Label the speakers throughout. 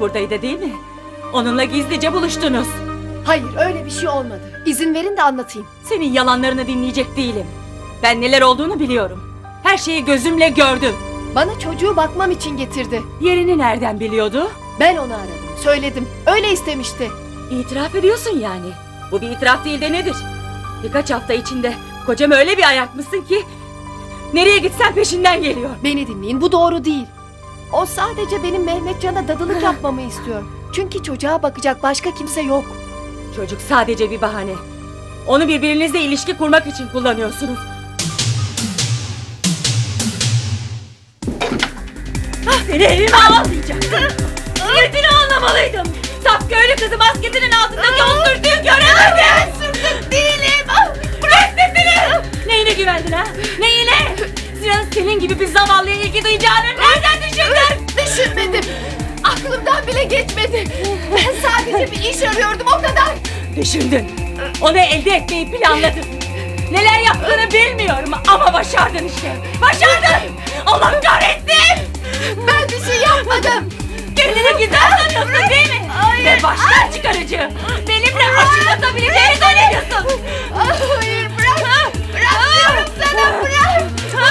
Speaker 1: buradaydı değil mi? Onunla gizlice buluştunuz.
Speaker 2: Hayır, öyle bir şey olmadı. İzin verin de anlatayım.
Speaker 1: Senin yalanlarını dinleyecek değilim. Ben neler olduğunu biliyorum. Her şeyi gözümle gördüm.
Speaker 2: Bana çocuğu bakmam için getirdi.
Speaker 1: Yerini nereden biliyordu?
Speaker 2: Ben onu aradım, söyledim. Öyle istemişti.
Speaker 1: İtiraf ediyorsun yani. Bu bir itiraf değil de nedir? Birkaç hafta içinde kocam öyle bir ayartmışsın ki nereye gitsen peşinden geliyor.
Speaker 2: Beni dinleyin, bu doğru değil. O sadece benim Mehmetcan'a dadılık yapmamı istiyor. Çünkü çocuğa bakacak başka kimse yok.
Speaker 1: Çocuk sadece bir bahane. Onu birbirinizle ilişki kurmak için kullanıyorsunuz. Seni evime almayacaktım. Niyetini anlamalıydım. Saf köylü kızı maskesinin altındaki o sürtüğü göremedim. Sürtük değilim. Bırak sesini. Neyine güvendin ha? Neyine? Sinan'ın senin gibi bir zavallıya ilgi duyacağını nereden düşündün?
Speaker 2: Düşünmedim. Aklımdan bile geçmedi. Ben sadece bir iş arıyordum, o kadar.
Speaker 1: Düşündün. Onu elde etmeyi planladın. Neler yaptığını bilmiyorum ama başardın işte. Başardın. Allah kahretsin.
Speaker 2: Ben bir şey yapmadım.
Speaker 1: Kendini güzel sanıyorsun değil mi?
Speaker 2: Hayır.
Speaker 1: Ve baştan çıkarıcı. Benimle aşık atabileceğini zannediyorsun.
Speaker 2: Hayır, bırak. Bırak diyorum sana, bırak.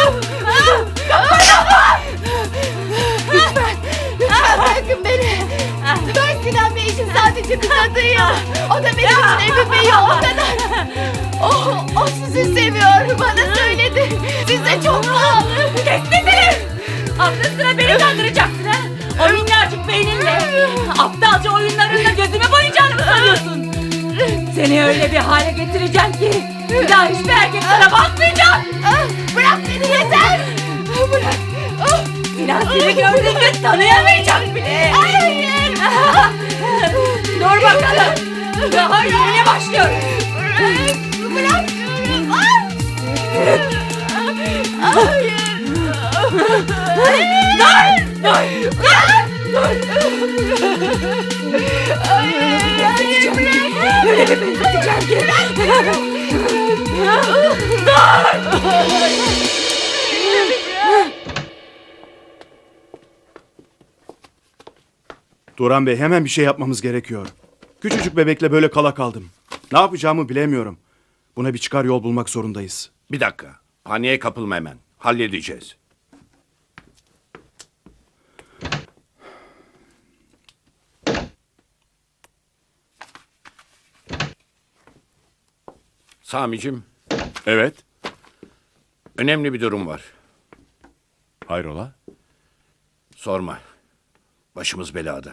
Speaker 2: Lütfen bırakın beni. Ben Sinan Bey için sadece bir kadıyım. O da benim için Emin Bey'i, o kadar. O sizi seviyor, bana söyledi. Size çok bağlı.
Speaker 1: Kes sesini! Aklı sıra beni kandıracaksın ha? O minnacık beyninle aptalca oyunlarınla gözüme boyayacağını mı sanıyorsun? Seni öyle bir hale getireceğim ki bir daha hiçbir erkek sana bakmayacak.
Speaker 2: Bırak beni, yeter. Bırak.
Speaker 1: Sinan seni gördüğünde tanıyamayacak bile.
Speaker 2: Hayır.
Speaker 1: Dur bakalım. Daha yeni başlıyoruz.
Speaker 2: Bırak diyorum. Hayır.
Speaker 1: Öyle bir benzeteceğim ki.
Speaker 3: Turan Bey, hemen bir şey yapmamız gerekiyor. Küçücük bebekle böyle kala kaldım. Ne yapacağımı bilemiyorum. Buna bir çıkar yol bulmak zorundayız.
Speaker 4: Bir dakika. Paniğe kapılma hemen. Halledeceğiz. Sami'cim,
Speaker 3: Evet.
Speaker 4: önemli bir durum var.
Speaker 3: Hayrola?
Speaker 4: Sorma. Başımız belada.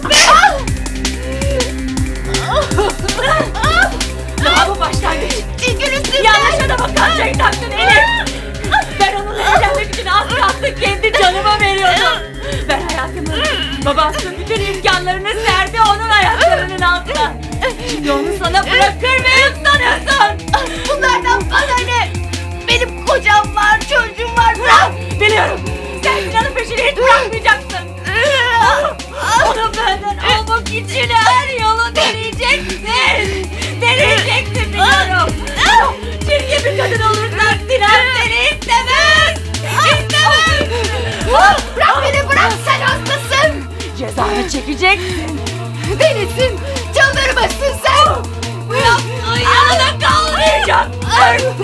Speaker 1: Daha bu başlangıç.
Speaker 2: Çekil üstümden.
Speaker 1: Yanlış adama kalçayı taktın Elif. Ben onunla evlenmek için az kalsın kendi canımı veriyordum. Ben hayatımı, babasının bütün imkanlarını serdi onun ayaklarının altına. Şimdi onu sana bırakır mıyım sanıyorsun?
Speaker 2: Bunlardan bana ne? Benim kocam var, çocuğum var. Bırak.
Speaker 1: Biliyorum. Sen Sinan'ın peşini hiç bırakmayacaksın. Onu benden almak için her yolu deneyeceksin. Deneyeceksin biliyorum. Çirkin bir kadın olursan Sinan seni istemez. İstemez.
Speaker 2: Bırak beni, bırak, sen hastasın.
Speaker 1: Cezanı çekeceksin.
Speaker 2: Delisin, çıldırmışsın sen.
Speaker 1: Bu yaptığın yanına kalmayacak artık.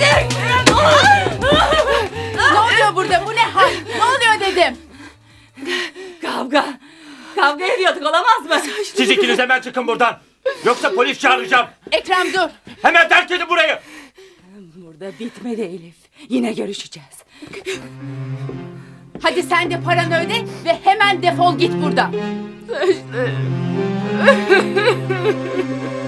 Speaker 2: Ne oluyor burada, bu ne hal? Ne oluyor dedim.
Speaker 1: Kavga. Kavga ediyorduk, olamaz mı?
Speaker 5: Siz ikiniz hemen çıkın buradan. Yoksa polis çağıracağım.
Speaker 2: Ekrem dur.
Speaker 5: Hemen terk edin burayı.
Speaker 1: Burada bitmedi Elif. Yine görüşeceğiz.
Speaker 2: Hadi sen de paranı öde ve hemen defol git buradan.